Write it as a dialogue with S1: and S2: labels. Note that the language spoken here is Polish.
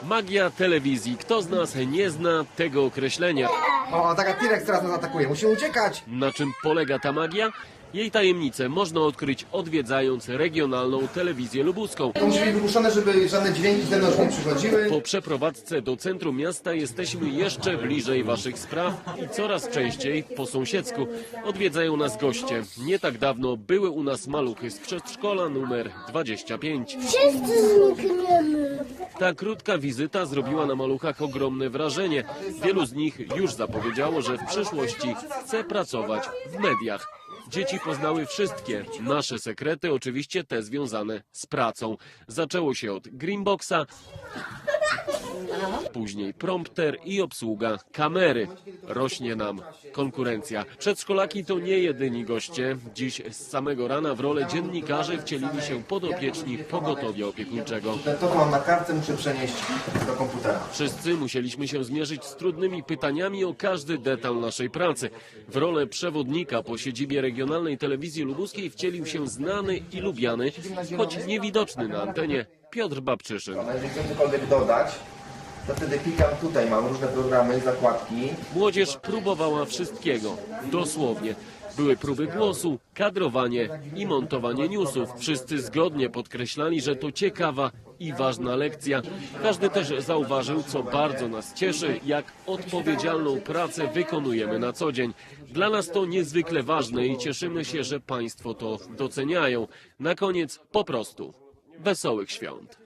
S1: Magia telewizji. Kto z nas nie zna tego określenia?
S2: O, taka T-Rex teraz nas atakuje. Musimy uciekać.
S1: Na czym polega ta magia? Jej tajemnicę można odkryć odwiedzając regionalną telewizję lubuską.
S2: To musi być wygłuszone, żeby żadne dźwięki z zewnątrz nie przychodziły.
S1: Po przeprowadzce do centrum miasta jesteśmy jeszcze bliżej waszych spraw i coraz częściej po sąsiedzku odwiedzają nas goście. Nie tak dawno były u nas maluchy z przedszkola numer 25.
S3: Wszyscy znikniemy.
S1: Ta krótka wizyta zrobiła na maluchach ogromne wrażenie. Wielu z nich już zapowiedziało, że w przyszłości chce pracować w mediach. Dzieci poznały wszystkie nasze sekrety, oczywiście te związane z pracą. Zaczęło się od Greenboxa, później prompter i obsługa kamery. Rośnie nam konkurencja. Przedszkolaki to nie jedyni goście. Dziś z samego rana w rolę dziennikarzy wcielili się podopieczni pogotowia opiekuńczego.
S2: To, co mam na kartce, muszę przenieść do komputera.
S1: Wszyscy musieliśmy się zmierzyć z trudnymi pytaniami o każdy detal naszej pracy. W rolę przewodnika po siedzibie regionalnej telewizji lubuskiej wcielił się znany i lubiany, choć niewidoczny na antenie, Piotr Babczyszyn.
S2: Jeżeli chcę cokolwiek dodać, to wtedy klikam tutaj, mam różne programy, zakładki.
S1: Młodzież próbowała wszystkiego, dosłownie. Były próby głosu, kadrowanie i montowanie newsów. Wszyscy zgodnie podkreślali, że to ciekawa i ważna lekcja. Każdy też zauważył, co bardzo nas cieszy, jak odpowiedzialną pracę wykonujemy na co dzień. Dla nas to niezwykle ważne i cieszymy się, że Państwo to doceniają. Na koniec po prostu wesołych świąt.